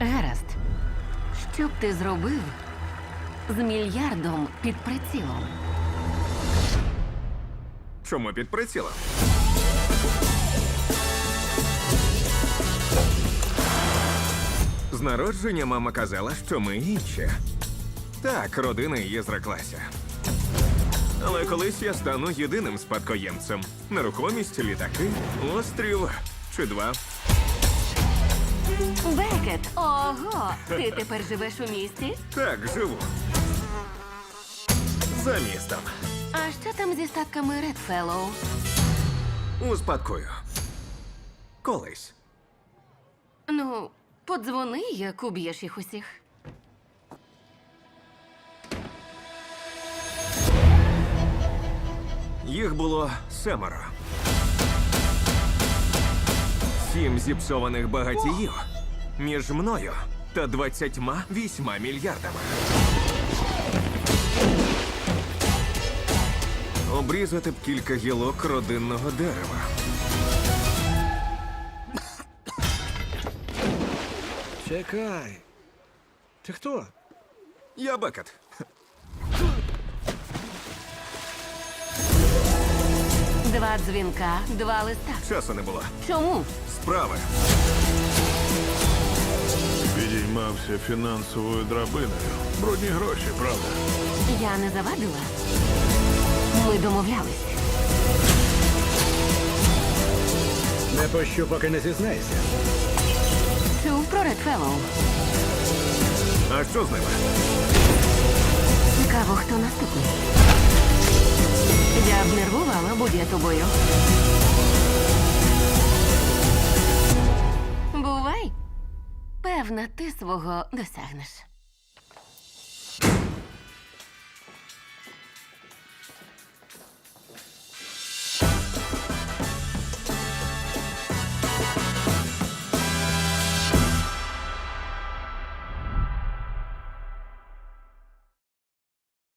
Гаразд. Що б ти зробив з мільярдом під прицілом? Чому під прицілом? З народження мама казала, що ми інші. Так, родина її зреклася. Але колись я стану єдиним спадкоємцем. Нерухомість, літаки, острів чи два. Бекет! Ого! Ти тепер живеш у місті? Так, живу. За містом. А що там зі статками Редфеллоу? Успадкую. Колись. Ну, подзвони, як уб'єш їх усіх. Їх було 7. 7 зіпсованих багатіїв між мною та 28 мільярдами. Обрізати б кілька гілок родинного дерева. Чекай. Ти хто? Я Бекет. Два дзвінка, два листа. Часу не було. Чому? Справи. Підіймався фінансовою драбиною. Брудні гроші, правда? Я не завадила. Ми домовлялись. Не пощу, поки не зізнаєшся. Чув про Редфеллоу? А що з ними? Цікаво, хто наступний. Я б нервувала, будь я тобою. Бувай. Певна, ти свого досягнеш.